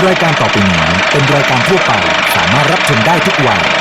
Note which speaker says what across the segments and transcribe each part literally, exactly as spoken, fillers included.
Speaker 1: รายการต่อไปนี้เป็นรายการทั่วไปสามารถรับชมได้ทุกวัย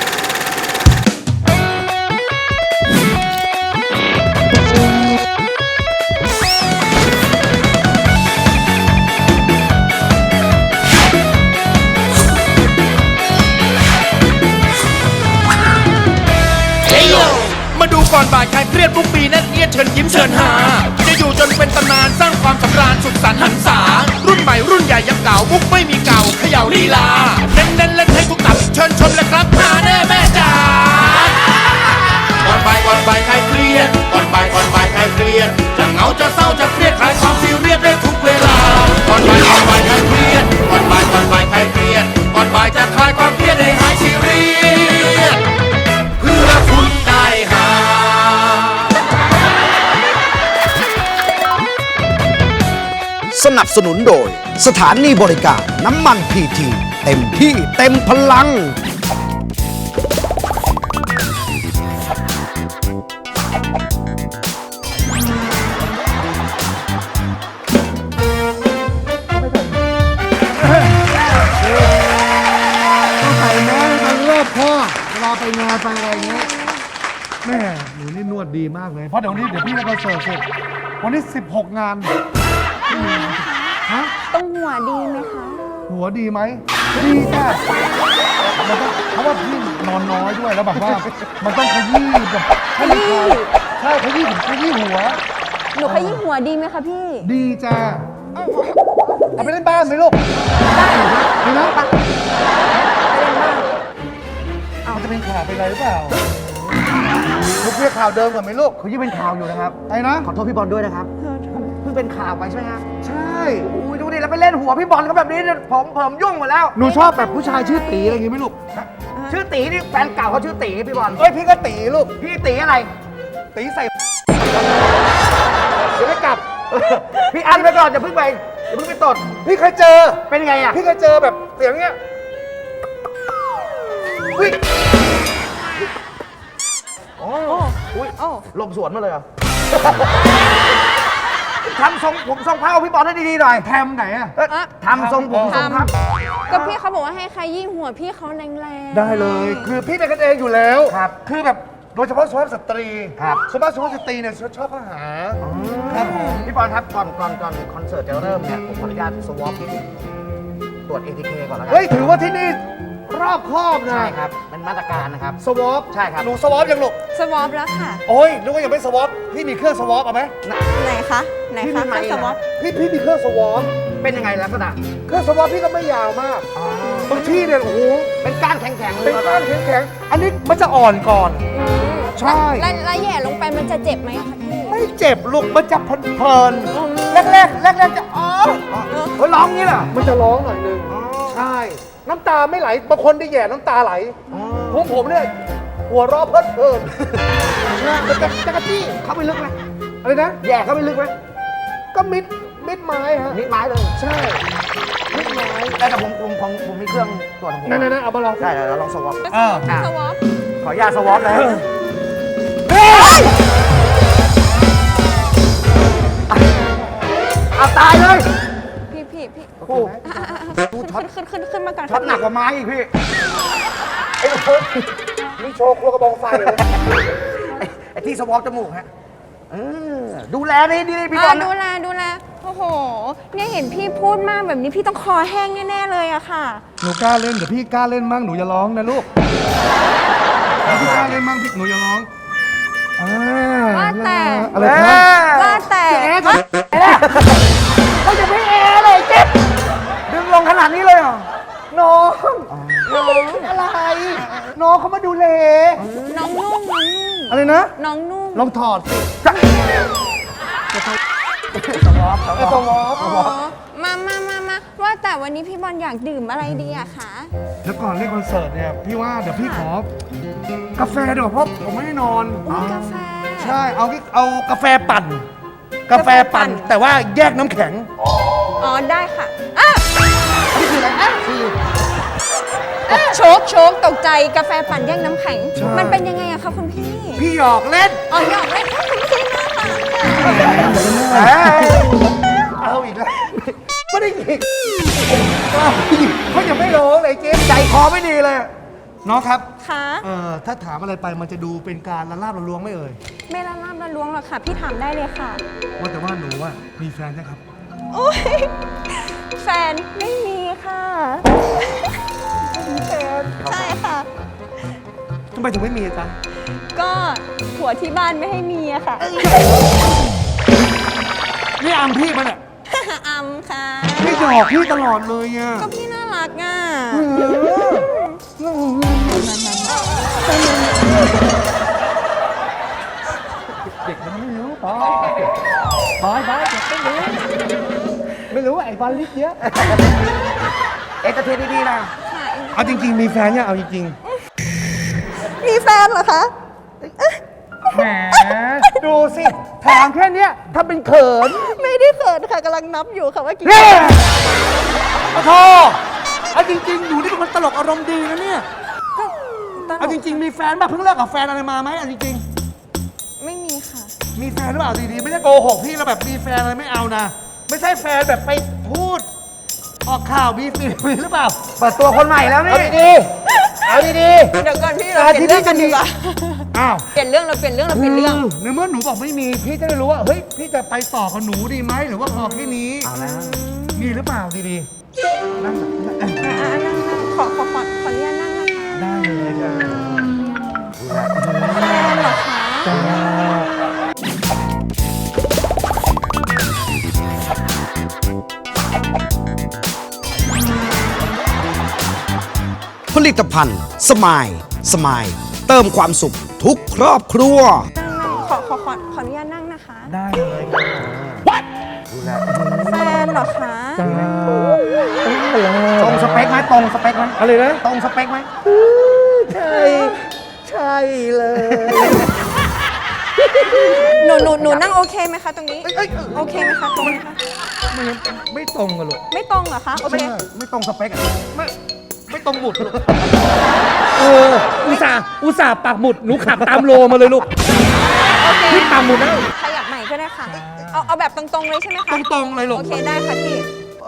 Speaker 2: มาดูก่อนบ่ายใครเครียดทุกปีนั่นเอียดเชิญยิ้มเชิญหาจะอยู่จนเป็นตำนานสร้างความสำราญสุขสันต์หันษารุ่นใหม่รุ่นใหญ่ยังเก่ามุกไม่มีเก่าเขย่าลีลาเน้นเน้นเล่นให้ทุกตับเชิญชมเลยครับหาแน่แม่จ๋าก่อนบ่ายก่อนบ่ายใครเครียดก่อนบ่ายก่อนบ่ายใครเครียดจะเหงาจะเศร้าจะเครียดคลายความซีเรียสได้ทุกเวลาก่อนบ่ายก่อนบ่ายใครเครียดก่อนบ่ายก่อนบ่ายใครเครียดก่อนบ่ายจะคลายความเครียดให้หายซีเรียสเพื่อคุณได้หา
Speaker 3: สนับสนุนโดยสถานีบริการน้ำมันพีทีเต็มที่เต็มพลัง
Speaker 4: ใส่แมสกันรอบพ่อเวลาไปงานไปอะไรเงี้ยแม่หนูนี่นวดดีมากเลยเพราะเดี๋ยวนี้เดี๋ยวพี่จะไปเสิร์ฟเสร็จวันนี้สิบหกงานฮะ
Speaker 5: ต้องหัวดีไหมคะ
Speaker 4: หัวดีไหมดีจ้ะมันต้องเพราะว่าพี่นอนน้อยด้วยแล้วแบบว่ามันต้องขยี้แบบให้มันคลายใช่ขยี้ถึงขยี้หัว
Speaker 5: หนูขยี้หัวดีไหมคะพี่
Speaker 4: ดีจ้ะเอาไปเล่นบ้านไหมลูกดีนะไปมันจะเป็นข่าวเป็นอะไรหรือเปล่าลูกเรียกข่าวเดิมก่อนไหมลูก
Speaker 3: เขายิ่งเป็นข่าวอยู่นะครับ
Speaker 4: ไอ้นะ
Speaker 3: ขอโทษพี่บอลด้วยนะครับเพิ่งเป็นข่าวไปใช่ไหมฮะ
Speaker 4: ใช่
Speaker 3: อุ้ยดูดิแล้วไปเล่นหัวพี่บอลเขาแบบนี้เนี่ยผมผมยุ่งหมดแล้ว
Speaker 4: หนูชอบแบบผู้ชายชื่อตีอะไรอย่างงี้ไหมลูก
Speaker 3: ชื่อตีนี่แฟนเก่าเขาชื่อตีพี่บอล
Speaker 4: เอ้ยพี่ก็ตีลูก
Speaker 3: พี่ตีอะไร
Speaker 4: ตีใส่เดี๋ยวไม่กลับ
Speaker 3: พี่อันไปก่อนอย่าเพิ่งไปอย่าเพิ่งไปตด
Speaker 4: พี่เคยเจอ
Speaker 3: เป็นไงอ่ะ
Speaker 4: พี่เคยเจอแบบเสียงเงี้ยอุ้ย
Speaker 3: โอ้อุ้ยลมสวนมาเลยเหรอ ทำทรงผมทรงพระเอาพี่บอลให้ดีๆหน่อย
Speaker 4: แทมไหนอะ
Speaker 3: เอ้ยทำทรงผมทรงพระ
Speaker 5: ก็พี่เขาบอกว่าให้ขยี้หัวพี่เขาแรงๆ
Speaker 4: ได้เลย คือพี่เป็นกันเองอยู่แล้ว
Speaker 3: ครับ
Speaker 4: คือแบบโดยเฉพาะสุภาพสตรี
Speaker 3: ครับ
Speaker 4: สุภาพสุภาพสตรีเนี่ยชอบอาหารครับผม
Speaker 3: พี่บอลครับก่อนก่อนก่อนคอนเสิร์ตจะเริ่มเนี่ยผมขออนุญาตสวอปตรวจ เอ ที เค ก่อนแล้วกั
Speaker 4: เฮ้ยถือว่าที่นี่รอบครอบนะ
Speaker 3: ใช่ครับเป็นมาตรการนะครับ
Speaker 4: สวอป
Speaker 3: ใช่ครับ
Speaker 4: หนูสวอปยังลูก
Speaker 5: สวอปแล้วค่ะ
Speaker 4: โอ้ยนึกว่ายังไม่สวอปพี่มีเครื่องสวอปเอาไหม
Speaker 5: ไหนคะ ไหน
Speaker 3: พี่
Speaker 5: คะ
Speaker 3: มีไมค์
Speaker 5: สวอป
Speaker 4: พี่พี่มีเครื่องสวอป
Speaker 3: เป็นยังไงลักษณะ
Speaker 4: เครื่องสวอปพี่ก็ไม่ยาวมากบางที่เนี่ยโอ้โห
Speaker 3: เป็นก้านแข็งๆเล
Speaker 4: เป็
Speaker 3: ย
Speaker 4: นก้านแข็งๆอันนี้มันจะอ่อนก่อน
Speaker 5: อืม
Speaker 4: ใช่
Speaker 5: แล้วแล้วแย่ลงไปมันจะเจ็บไหมคะพี่
Speaker 4: ไม่เจ็บลูกมันจะเพลินๆแรกๆแรกๆจะอ๋อ
Speaker 3: เฮ้ยร้องงี้เหรอ
Speaker 4: มันจะร้องหน่อยนึงใช่ น้ำตาไม่ไหลบางคนได้แย่น้ำตาไหลผมผมเนี่ยหัวเราะเพลิดเพลินใช่มันจะจะกระจี้
Speaker 3: เข้าไปลึกไหม
Speaker 4: อะไรนะ
Speaker 3: แย่เข้าไปลึกไหม
Speaker 4: ก็มิดมิดไม้ฮะ
Speaker 3: นิดไม้เลย
Speaker 4: ใช่มิดไม้
Speaker 3: แต่ผมผมผมผมมีเครื่องตรวจของผม
Speaker 4: นั่นๆๆเอามาลอง
Speaker 3: ได้เดี๋ยวเราลองสวอป
Speaker 4: อ่า
Speaker 3: อ่ะ
Speaker 5: สวอป
Speaker 3: ขออนุญาตสวอปนะ เอาตายเลย
Speaker 5: พี่พี่พี่
Speaker 3: โอ้โห
Speaker 5: ดูช็อตขึ้นขึ้นขึ้นมาก่อน
Speaker 3: ช็อตหนักกว่าไม้อีกพี่
Speaker 4: ไอ้คนนี่โชว์ครัวกระบองไฟเลย
Speaker 3: ไอ้ไอ้ที่สวอปจมูกฮะเออดูแลนี่ดีพี่บ
Speaker 5: อ่า
Speaker 3: อล
Speaker 5: ดูแลดูแลโอ้โห เนี่ยเห็นพี่พูดมากแบบนี้พี่ต้องคอแห้งแน่ๆเลยอะค่ะ
Speaker 4: หนูกล้าเล่นเดี๋ยวพี่กล้าเล่นมั่งหนูอย่าร้องนะลูกพี่กล้าเล่นมั่งพี่หนูอย่าร้องอ่า
Speaker 5: ว่าแต่
Speaker 4: อะไรครับ
Speaker 5: ว่าแต่
Speaker 3: เขาจะไม่แอร์เลยเจ็บดึงลงขนาดนี้เลยเหรอ
Speaker 4: น้อง
Speaker 5: น้อง
Speaker 4: อะไร น้องเขามาดูแล
Speaker 5: น้องนุ่งน้องนุ่ง
Speaker 4: อะไรนะ
Speaker 5: น้องนุ่ง
Speaker 4: ลองถอดสิ
Speaker 3: สวอปส
Speaker 4: ไอ้
Speaker 3: ว
Speaker 4: ส
Speaker 3: อป
Speaker 4: วอป
Speaker 5: อ๋อมามามามาว่าแต่วันนี้พี่บอลอยากดื่มอะไรดีอะคะ
Speaker 4: แล้วก่อนเล่นคอนเสิร์ตเนี่ยพี่ว่าเดี๋ยวพี่ขอกาแฟดีกว่าเพราะผมไม่ได้นอน
Speaker 5: อุ้ยกาแฟ
Speaker 4: ใช่เอาเอากาแฟปั่น กาแฟปั่น แต่ว่าแยกน้ำแข็ง
Speaker 5: อ๋อได้ค่ะอ่ะ
Speaker 4: นี่คืออะไรอ่ะคือ
Speaker 5: โชกโชกตกใจกาแฟปั่นแยกน้ำแข็ง
Speaker 4: ใช่
Speaker 5: มันเป็นยังไงอะคะคุณพี่
Speaker 4: พี่หยอกเล่น
Speaker 5: อ๋อหยอกเล่นคุณพี่น่ารักค่ะ
Speaker 4: เอาอีกแล้วไม่ได้ได้หยิกเขายังไม่ร้องเลยเจ๊ใจคอไม่ดีเลย น้องครับ
Speaker 5: คะ
Speaker 4: เอ่อถ้าถามอะไรไปมันจะดูเป็นการละลาบละล้วงไม่เอ่ย
Speaker 5: ไม่ละล่ำละล้วงหรอกค่ะ พี่ถามได้เลยค่ะ
Speaker 4: ว่าแต่ว่าหนูว่ามีแฟนนะครับ
Speaker 5: โอ้ยแฟนไม่มีค่ะแฟนใช่ค่ะ
Speaker 4: ทำไมถึงไม่มีจ๊ะ
Speaker 5: ก็ผัวที่บ้านไม่ให้มีอะค่ะ
Speaker 4: นี่อามพี่มันอ่ะ
Speaker 5: อำค่ะ
Speaker 4: พี่หยอกพี่ตลอดเลยอ่ะ
Speaker 5: ก็พี่น่ารักอ่ะ
Speaker 4: เด็กมันไม่รู้ปอยปอยปอยเด็กไม่รู้ ไม่รู้ไอ้บอลลิสเยอะ เอ็นเตอร์เทนดีๆนะ
Speaker 5: ค่ะ
Speaker 4: เอาจริงๆ มีแฟนยังเอาจริง
Speaker 5: มีแฟนเหรอคะ
Speaker 4: ๆ แหม ดูสิถามแค่เนี้ยถ้าเป็นเขิน
Speaker 5: ไม่ได้เขินค่ะกำลังนับอยู่ค่ะว่ากี่
Speaker 4: เฮ้ขอโทษเอาจริงๆ หนูนี่เป็นคนตลกอารมณ์ดีนะเนี่ย
Speaker 5: ตลก
Speaker 4: เอาจริงๆ มีแฟนป่ะเพิ่งเลิกกับแฟนอะไรมาไหมเอาจริง
Speaker 5: ไม่มีค่ะ
Speaker 4: ๆ มีแฟนหรือเปล่าดีๆ ไม่ได้โกหกพี่แล้วแบบมีแฟนอะไรไม่เอานะ ไม่ใช่แฟนแบบไปพูด ออกข่าวมีฟีมีหรือเปล่า เปิดตัวคนใหม่แล้วนี่ เอาดีๆ เอาดี
Speaker 5: เดี๋ยวก่อนพี่เราเปลี่ยนเรื่องกันดีกว่า
Speaker 4: ๆ อ้าว
Speaker 5: เปลี่ยนเรื่องเราเปลี่ยนเรื่องเราเปลี่ยนเรื่อง
Speaker 4: ในเมื่อหนูบอกไม่มี พี่จะได้รู้ว่า เฮ้ย พี่จะไปต่อกับหนูดีไหมหรือว่าพอแค่นี้เอาแล้วมีหรือเปล่าดีๆนั่ง
Speaker 5: อ่านั่งนั่งขอขอขอขออนุญาตนั่งนะคะ
Speaker 4: ได้เลยจ้ะ
Speaker 5: แฟนเหรอคะ
Speaker 3: ผลิตภัณฑ์สมายสมายเติมความสุขทุกครอบครัว
Speaker 5: นั่งนั่งขอขอขอขออนุญาตนั่งนะคะ
Speaker 4: ได้เลย
Speaker 5: แฟนเหรอคะ
Speaker 4: ตรงสเปคไหมตรงสเปคไหมอะไรนะตรงสเปคไหมใช่ ใช่เลย
Speaker 5: หนูหนูหนูนั่งโอเคไหมคะตรงนี้ โอเคไหมคะตรงนี้คะ
Speaker 4: ไม่ไม่ตรงกันหรอก
Speaker 5: ไม่ตรงเหรอคะ โอเค
Speaker 4: ไม่ไม่ตรงสเปคอะไม่ไม่ตรงหมุดลูกเอออุตส่าห์อุตส่าห์ปักหมุดหนูขับตามโลมาเลยลูก
Speaker 5: โอเค
Speaker 4: พี่ปักหมุดแล้ว
Speaker 5: ขยับใหม่ก็ได้ค่ะ เอาเอาแบบตรงๆเลยใช่ไหมคะ
Speaker 4: ตรงๆเลยลูก
Speaker 5: โอเคได้ค่ะพี่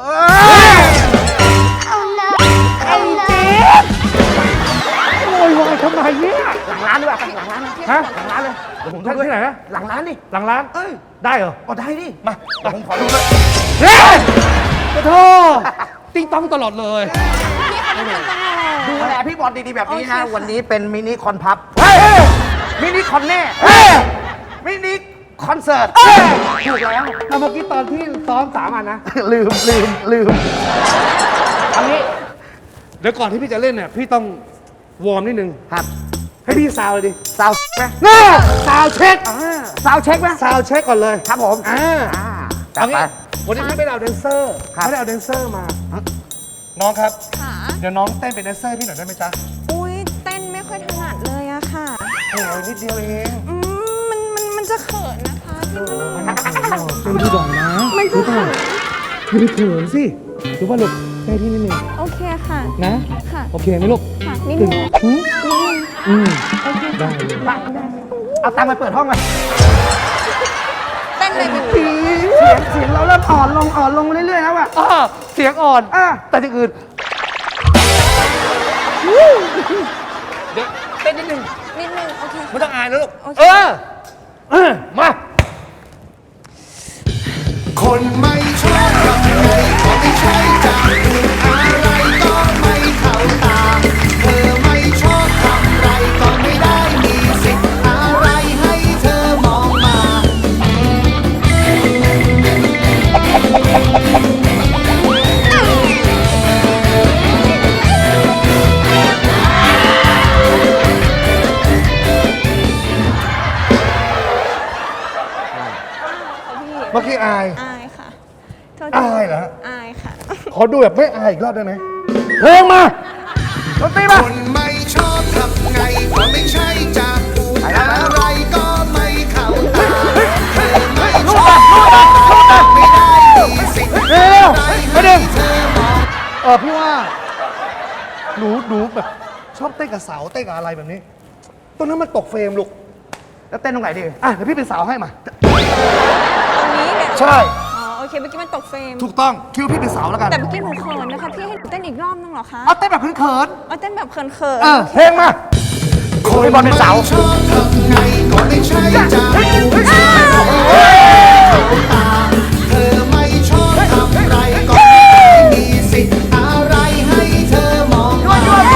Speaker 4: ไอ้เจ๊โวยวายทำไมเนี่ยหลังร้านดีกว่าหลังร้านฮะหลังร้านเลยเดี๋ยวผมทำที่ไหนนะหลังร้านดิหลังร้านเอ้ยได้เหรออ๋อได้ดิมาเดี๋ยวผมขอดูเลยเฮ้ยขอโทษติ้งต้องตลอดเลย
Speaker 6: ดูแลพี่บอลดีๆแบบนี้นะ
Speaker 5: โอเคค่ะ
Speaker 6: วันนี้เป็นมินิคอนพับ
Speaker 4: เฮ้ย
Speaker 6: มินิคอนแน่
Speaker 4: เฮ้ย
Speaker 6: มินิคอนเสิร์ตถูกแล้ว
Speaker 4: เอาเมื่อกี้ตอนที่ซ้อมสามอันนะ
Speaker 6: ลืมลืมลืม
Speaker 4: เอางี้เดี๋ยวก่อนที่พี่จะเล่นเนี่ยพี่ต้องวอร์มนิดนึง
Speaker 6: ครับ
Speaker 4: ให้พี่ซาวเลยดิ
Speaker 6: ซาวไหม
Speaker 4: น่าซาวเช็ค
Speaker 6: ซาวเช็คไหม
Speaker 4: ซาวเช็คก่อนเลย
Speaker 6: ครับผม
Speaker 4: อ่า
Speaker 6: อ่าจั
Speaker 4: เอา
Speaker 6: ดไป
Speaker 4: งี้วันนี้พี่ไม่ได้เอาแดนเซอร์
Speaker 6: ครับ
Speaker 4: ไม่ได้เอาแดนเซอร์มา น้องครับ
Speaker 5: ค่ะ
Speaker 4: เดี๋ยวน้องเต้นเป็นแดนเซอร์พี่หน่อยได้ไหมจ๊ะ
Speaker 5: อุ้ยเต้นไม่ค่อยถนัดเลยอะค่ะ
Speaker 4: โอ้ยนิดเดียวเอง
Speaker 5: อืมมันมันมันจะเขินนะคะพี่
Speaker 4: เป็นดูดอยนะ
Speaker 5: มันจะเขิน
Speaker 4: ไม่ได้เขินสิรู้ป่ะลูกใช่พี่นิดนึง
Speaker 5: โอเคค่ะ
Speaker 4: นะ
Speaker 5: ค่ะ
Speaker 4: โอเคไหมลูก
Speaker 5: ค่ะนิดนึงนิดนึง
Speaker 4: อืม
Speaker 5: โอเค
Speaker 4: ได้เลย
Speaker 6: เอาตังค์ไปเปิดห้องมา
Speaker 5: เต้นเลยพี่
Speaker 6: เสียงเสียงเราเริ่มอ่อนลงอ่อนลงเรื่อยๆแล้วอะ
Speaker 4: อ้อเสียงอ่อน
Speaker 6: อ่ะ
Speaker 4: แต่ที่อื่นเดี๋ยวเต้นนิดนึง
Speaker 5: นิดนึงโอเค
Speaker 4: ไม่ต้องอายนะลูก
Speaker 5: โอเค
Speaker 4: เออเออมา
Speaker 2: คนไม่ชอบทำไงก็ไม่ใช่จะพูดอะไรก็ไม่เข้าตา เธอไม่ชอบทำไรก็ไม่ได้มีสิทธิ์อะไรให้เธอมองมา
Speaker 4: เมื่อกี้อาย
Speaker 5: อายค่ะโทษที
Speaker 4: อายเหรอ
Speaker 5: อายค่ะ
Speaker 4: ขอดูแบบไม่อายอีกรอบได้ไหมเพลงมา
Speaker 6: ดนตรีมา
Speaker 2: คนไม่ชอบทำไงก็ไม่ใช่จะพูดอะไรก็ไม่เข้าตา เธอไม่ชอบอะไรไม่ได้มีสิทธิ์
Speaker 4: เร็ว
Speaker 2: อะไร
Speaker 4: ๆประเด็น
Speaker 2: เธอมอง
Speaker 4: เออพี่ว่าหนูหนูแบบชอบเต้นกับเสาเต้นกับอะไรแบบนี้ตรงนั้นมันตกเฟรมลูก
Speaker 6: แล้วเต้นตรงไหนดี
Speaker 4: อ่ะเดี๋ยวพี่เป็นสาวให้มา
Speaker 5: ตรงนี้เนี่ย
Speaker 4: ใช่
Speaker 5: อ๋อโอเคเมื่อกี้มันตกเฟรม
Speaker 4: ถูกต้องคิดว่าพี่เป็นสาวแล้วกัน
Speaker 5: แต่เมื่อกี้หนูเขินนะคะ พี่ให้หนูเต้นอีกรอบนึงเหรอคะ
Speaker 4: เอาเต้นแบบเขิน
Speaker 5: เอาเต้นแบบเขิน
Speaker 4: ๆ
Speaker 5: ๆ
Speaker 4: เออเพลงมาโอ้ยบอลเป็นสาว
Speaker 7: ชอบทำไงก็ไม่ใช่จะเธอไม่ชอบทำไรก็ไม่มีสิทธิ์อะไรให้เธอมองมา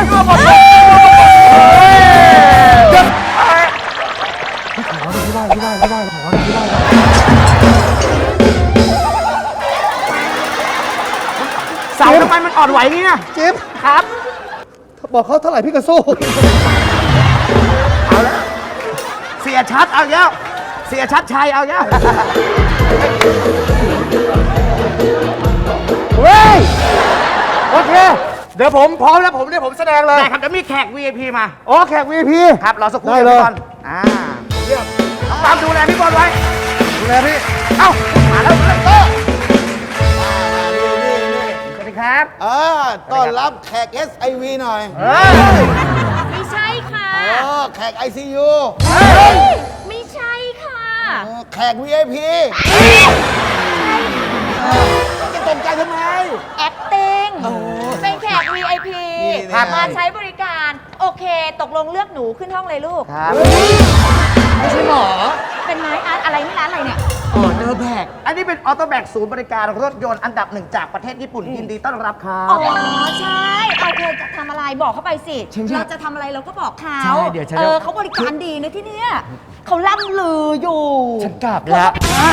Speaker 6: เสาทำไมมันอ่อนไหวงี้เนี่ย
Speaker 4: จิ๊บ
Speaker 6: ครับ
Speaker 4: บอกเขาเท่าไหร่พี่ก็สู้
Speaker 6: เอาแล้ว เสียชัดเอาแล้ว เสียชัดชัยเอาแล้วเฮ้ย
Speaker 4: โอเค เดี๋ยวผมพร้อมแล้วผมเดี๋ยวผมแสดงเลย
Speaker 6: ได้ครับเดี๋ยวมีแขก วี ไอ พี มา
Speaker 4: โอ้แขก วี ไอ พี
Speaker 6: ครับรอสักครู่
Speaker 4: ได้เลย
Speaker 6: พี่บอลอ่าน้องปามดูแลพี่บอลไว้
Speaker 4: ดูแลพี่
Speaker 6: เอ้า มาแล้วเลยก็สวัสดีครับ
Speaker 7: เออต้อนรับแขก เอส ไอ วี หน่อย
Speaker 5: ไม่ใช่ค่ะ
Speaker 7: เออแขก ไอ ซี ยู
Speaker 5: ไม่ใช่ค่ะ
Speaker 7: เออแขก วี ไอ พี จะตกใจทำไม
Speaker 8: acting เป็นแขก วี ไอ พี
Speaker 7: นี่ไง
Speaker 8: มาใช้บริการ โอเค ตกลงเลือกหนูขึ้นห้องเลยลูก
Speaker 6: ครับ
Speaker 8: ไม่ใช่หมอ เป็นไม้อาร์ตอะไรนี่ร้านอะไรเนี่ย
Speaker 6: อ๋อเนอร์แบกอันนี้เป็นออโต้แบกศูนย์บริการรถยนต์อันดับหนึ่งจากประเทศญี่ปุ่นยินดีต้อนรับครั
Speaker 8: อ๋
Speaker 6: บ
Speaker 8: อ ใช่ โอเค จะทำอะไรบอกเขาไปสิ เราจะทำอะไรเราก็บอกเขา
Speaker 6: ใช่เดี๋ยวฉันจะ
Speaker 8: เออเขาบริการดีนะที่เนี่ยเขาล่ำลืออยู่
Speaker 6: ฉันกลับแล้ว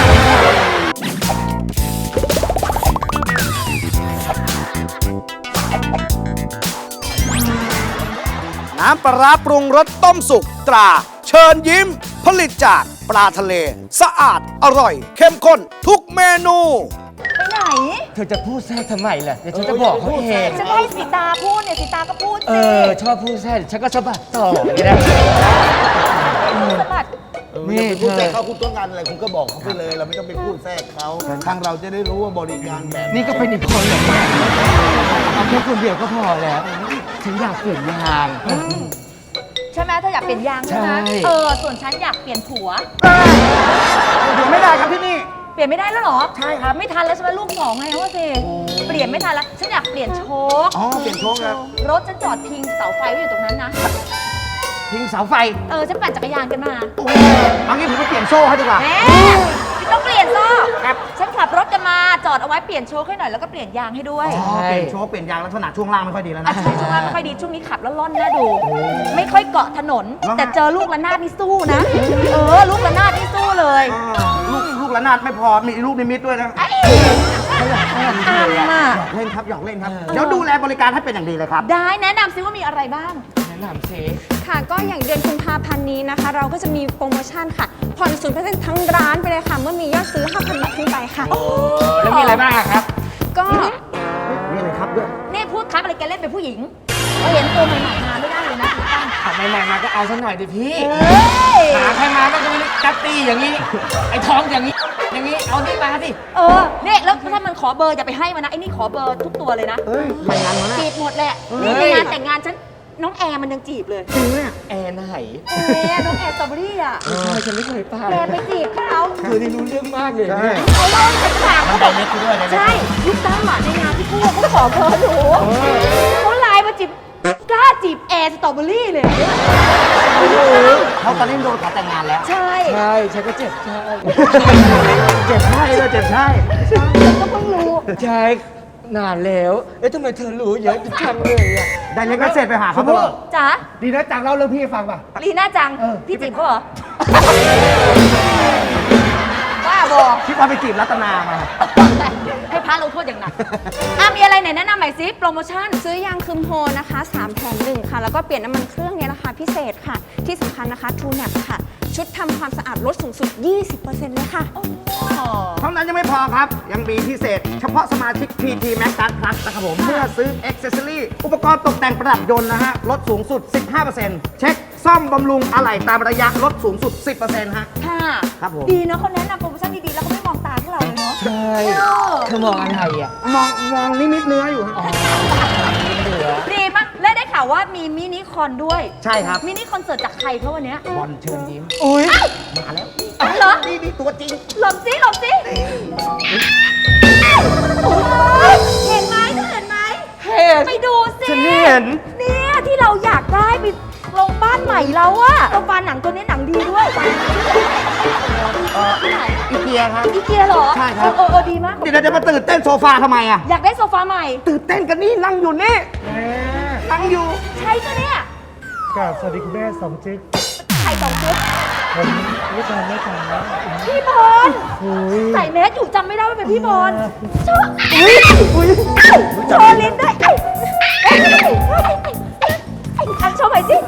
Speaker 3: น้ำปลาร้าปรุงรสต้มสุกตรา เชิญยิ้ม ผลิตจากปลาทะเล สะอาดอร่อย เข้มข้นทุกเมนู
Speaker 8: ไปไหน
Speaker 6: เธอจะพูดแทรกทำไมล่ะ เดี๋ยวฉันจะบอกเขาเอง
Speaker 8: ฉันให้สีตาพูดเนี่ยสีตาก็พูด
Speaker 6: เอ
Speaker 8: สิ
Speaker 6: อ ชอบพูดแทรกฉันก็สะบัดต่ออย่างนี้นะ
Speaker 8: สะบัด
Speaker 7: นี่ไปพูดแทรกเขาคุณต้องการอะไรคุณก็บอกเขาไปเลย เราไม่ต้องไปพูดแทรกเขาทางเราจะได้รู้ว่าบริการแบบ
Speaker 6: นี่ก็เป็นอีกคนเหรอเนี่ยเอาแค่คนเดียวก็พอแล้ว ฉันอยากเปลี่ยนยาง
Speaker 8: ใช่ไหมเธออยากเปลี่ยนยางใช่ไหม
Speaker 6: ใช่
Speaker 8: เออ ส่วนฉันอยากเปลี่ยนผัว
Speaker 6: เดี๋ยวไม่ได้ครับที่นี่
Speaker 8: เปลี่ยนไม่ได้แล้วเหรอ ใช่ครับ ไม่ทันแล้วใช่ไหมลูกสองไงว่าสิ เปลี่ยนไม่ทันแล้ว ฉันอยากเปลี่ยนโชค
Speaker 7: อ๋อ เปลี่ยนโชคครับ
Speaker 8: รถฉันจอดพิงเสาไฟไว้อยู่ตรงนั้นนะ
Speaker 6: ทิ้งเสาไฟ
Speaker 8: เออ ฉันปั่นจักรยานกันมา
Speaker 6: เอางี้ผมไปเปลี่ยนโซ่ให้ดีกว่า
Speaker 8: แหมไม่ต้องเปลี่ยนโซ่ฉันขับรถกันมา จอดเอาไว้เปลี่ยนโชคให้หน่อยแล้วก็เปลี่ยนยางให้ด้วย
Speaker 6: อ๋อ เปลี่ยนโชว์เปลี่ยนยางลักษณะช่วงล่างไม่ค่อยดีแล้ว
Speaker 8: อ่ะ
Speaker 6: นะ
Speaker 8: ใช่ช่วงล่างไม่ค่อยดี ช่วงนี้ขับแล้วล่อนน่าดู ไม่ค่อยเกาะถนน
Speaker 6: แล้วไง
Speaker 8: แต่เจอลูกระนาดนี่สู้นะ เออ ลูกระนาดนี่สู้เลย
Speaker 6: ลูกลูกระนาดไม่พอ มีลูกนิมิตด้วยนะ
Speaker 8: ไอ้อ่างอ่ะ
Speaker 6: หยอกเล่นครับหยอกเล่นครับ เดี๋ยวดูแลบริการให้เป็นอย่างดีเลยครับ
Speaker 8: ได้แนะนำซิว่ามีอะไรบ้าง
Speaker 6: แนะนำสิ
Speaker 5: ค่ะก็อย่างเดือนกุมภาพันธ์นี้นะคะ เราก็จะมีโปรโมชั่นค่ะผ่อนศูนย์เปอร์เซ็นต์ทั้งร้านไปเลยค่ะ เมื่อมียอดซื้อ ห้าพัน บาทขึ้นไปค่ะ
Speaker 6: แล้วมีอะไรบ้างอะครับ
Speaker 5: ก็
Speaker 6: มีอะไรครับด้วย
Speaker 8: นี่พูดครับอะไรแกเล่นเป็นผู้หญิงเราเห็นตัวใหม่ๆมาไม่ได้เลยนะคุณตั้ง
Speaker 6: ขับใหม่ๆมาก็เอาซะหน่อยดิพี่
Speaker 8: เฮ้ย
Speaker 6: หาใครมาก็จะไม่ได้จับตีอย่างนี้ ไอ้ท้องอย่างนี้ อย่างนี้ เอานี่มาสิ
Speaker 8: เออเนี่ยแล้วถ้ามันขอเบอร์อย่าไปให้มันนะไอ้นี่ขอเบอร์ทุกตัวเลยนะ
Speaker 6: เฮ้ยไปงานมาแล้ว
Speaker 8: จีบหมดแหละนี่ในงานแต่งงานฉันน้องแอร์มันยังจีบเลย
Speaker 6: จริงเนี่ยแอร์ไหน
Speaker 8: แอร์น้องแอร์สตรอเบอรี่อ่ะ
Speaker 6: ใช่ฉันไม่เคยไป
Speaker 8: แกไปจีบเขา
Speaker 6: เธอนี่รู้เรื่องมากเลยเนี่ย
Speaker 8: เขาเล่าให้ฟังเขาบอกใช่ลูกตั้งหมาในงานที่พูดเขาขอเบอร์หนูเขาไลน์มาจีบกล้าจีบแอร์สตรอเบอรี่เลย
Speaker 6: เขาตอนนี้โดนขอแต่งงานแล้ว
Speaker 8: ใช่
Speaker 6: ใช่ ฉันก็เจ็บใช่ เจ็บใช่เลยเจ็บใช่
Speaker 8: ก็เพิ่งรู้
Speaker 6: ใช่ นานแล้ว เอ๊ะทำไมเธอรู้เยอะจังเลยอ่ะ ได้เล็กก็เสร็จไปหาเขาเถอะ
Speaker 8: จ๋า
Speaker 4: ดีนะจังเล่าเรื่องพี่ให้ฟังป่ะ
Speaker 8: ลีน่าจัง
Speaker 4: เออ
Speaker 8: พี่จีบเขาเหรอว่าบอ
Speaker 6: คิดว่าไปจีบรัตนามา
Speaker 8: ให้พระลงโทษอย่างหนักอ่ะมีอะไรไหนแนะนำหน่อยสิโปรโมชั่น
Speaker 5: ซื้อยางคืมโฮนะคะสามแถมหนึ่งค่ะ แล้วก็เปลี่ยนน้ำมันเครื่องเนี่ยราคาพิเศษค่ะ ที่สำคัญนะคะ True แนป ค่ะ ชุดทำความสะอาดลดสูงสุด ยี่สิบเปอร์เซ็นต์ เลยค่ะ
Speaker 6: เท่านั้นยังไม่พอครับ ยังมีพิเศษ เฉพาะสมาชิก พี ที Max Card Plus นะครับผม เมื่อซื้อ Accessory อุปกรณ์ตกแต่งประดับยนต์นะฮะ ลดสูงสุด สิบห้าเปอร์เซ็นต์ เช็คซ่อมบำรุงอะไหล่ตามระยะลดสูงสุด สิบเปอร์เซ็นต์ ฮะ
Speaker 8: ค่ะ
Speaker 6: ครับผม
Speaker 8: ดีเนอะเขาแนะนำโปรโมชั่นดีๆ แล้วเขาไม่มองตาพวกเราเลยเนาะ
Speaker 6: ใช่ เธอมองอะไรอ่ะ มองมองนิมิตเนื้ออยู่ฮะ
Speaker 8: ดีมากและได้ข่าวว่ามีมินิคอนด้วย
Speaker 6: ใช่ครับ
Speaker 8: มินิคอนเสิร์ตจากใครเขาวันเนี้ย
Speaker 6: บอลเชิญยิ้ม อุ้ยมาแล้ว
Speaker 8: เหรอ
Speaker 6: นี่นี่ตัวจริง
Speaker 8: หลบสิหลบสิเห็นไหมเธอเห็นไหม
Speaker 6: เห็น
Speaker 8: ไปดูสิ
Speaker 6: ฉันเห็น
Speaker 8: เนี่ยที่เราอยากได้ไปลงบ้านใหม่เราอะโซฟาหนังตัวนี้หนังดีด้วยที่ไหน
Speaker 6: อีเกียครับ
Speaker 8: อีเกียเหรอ
Speaker 6: ใช่ครับ
Speaker 8: เออเออดีมาก
Speaker 6: เดี๋ยวเราจะมาตื่นเต้นโซฟาทำไมอ่ะ
Speaker 8: อยากได้โซฟาใหม่
Speaker 6: ตื่นเต้นกันนี่นั่งอยู่นี่
Speaker 4: แม่
Speaker 6: นั่งอยู่
Speaker 8: ใช่ก็เนี่ย
Speaker 4: กราบสวัสดีคุณแม่สองจิ๊ก
Speaker 8: ไข่สองชุด
Speaker 4: ผมไม่ทานไม่ทานนะ
Speaker 8: พี่บอล
Speaker 4: โอ้ย
Speaker 8: ใส่แมสอยู่จำไม่ได้ว่าเป็นพี่บอลโชว์โชว์ลิ้นด้วยเอ้ยเอ้ยเอ้ยเอ้ยเอ้ยอันโชว์ใหม่สิ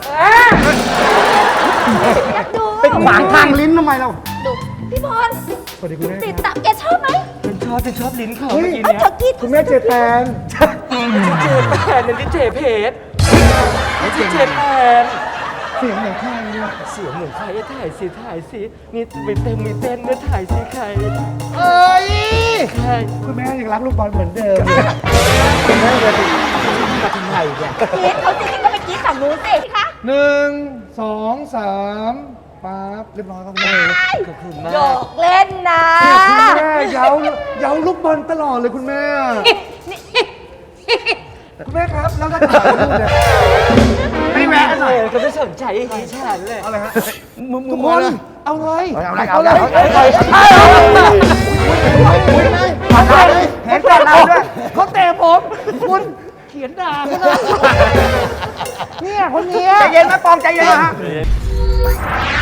Speaker 8: อยากดู
Speaker 6: เป็นขวางทางลิ้นทำไมเรา
Speaker 8: ดูพี่บอล
Speaker 4: สวัสดีคุณแม่
Speaker 8: ติดตับแกชอบไหม
Speaker 6: ฉันชอบฉันชอบลิ้นเขา
Speaker 4: เฮ้ย
Speaker 8: เอาเธอกิน
Speaker 4: คุณแม่เจแปน
Speaker 6: แผนนี่เจเพชรนี่เจแปน
Speaker 4: เสียงเหมือนใครเนี่ย
Speaker 6: เสียงเหมือนใครถ่ายสิถ่ายสินี่มีเต้นมีเต้นเนี่ยถ่ายสิใคร
Speaker 4: เอ้ย
Speaker 6: ใคร
Speaker 4: คุณแม่ยังรักลูกบอลเหมือนเดิม
Speaker 6: แม่จะมาทำไมเนี่ย
Speaker 8: กรีดเขาจริงๆก็ไปกรีดฝั่งนู้นสิคะ
Speaker 4: หนึ่งสองสามปั๊บเรียบร้อยครับคุณแม่
Speaker 6: ขอบคุณมา
Speaker 8: หย
Speaker 6: ก
Speaker 8: อกเล่นนะ
Speaker 4: คุณแม่เย้าเย้าลูกบอลตลอดเลยคุณแม่ คุณแม่ครับแล้วถ้าถ่ายรูปเนี่ย
Speaker 6: ไม่แวะหน่อยก็ไม่สนใจดิฉันเลย
Speaker 4: เอาอะไรฮะ
Speaker 6: มึงมึ
Speaker 4: ทุ
Speaker 6: ง
Speaker 4: กคนเอาเลย
Speaker 6: เอาอะไร
Speaker 4: เอา
Speaker 6: เอา
Speaker 4: เล
Speaker 6: เลย ยเอาเลยเอาเลยเห็นแต่เราด้วย
Speaker 4: เขาเตะผมคุณเขียนด่าเขานะเนี่ยคนเนี้ย
Speaker 6: ใจเย็นนะปองใจเย็นนะฮะ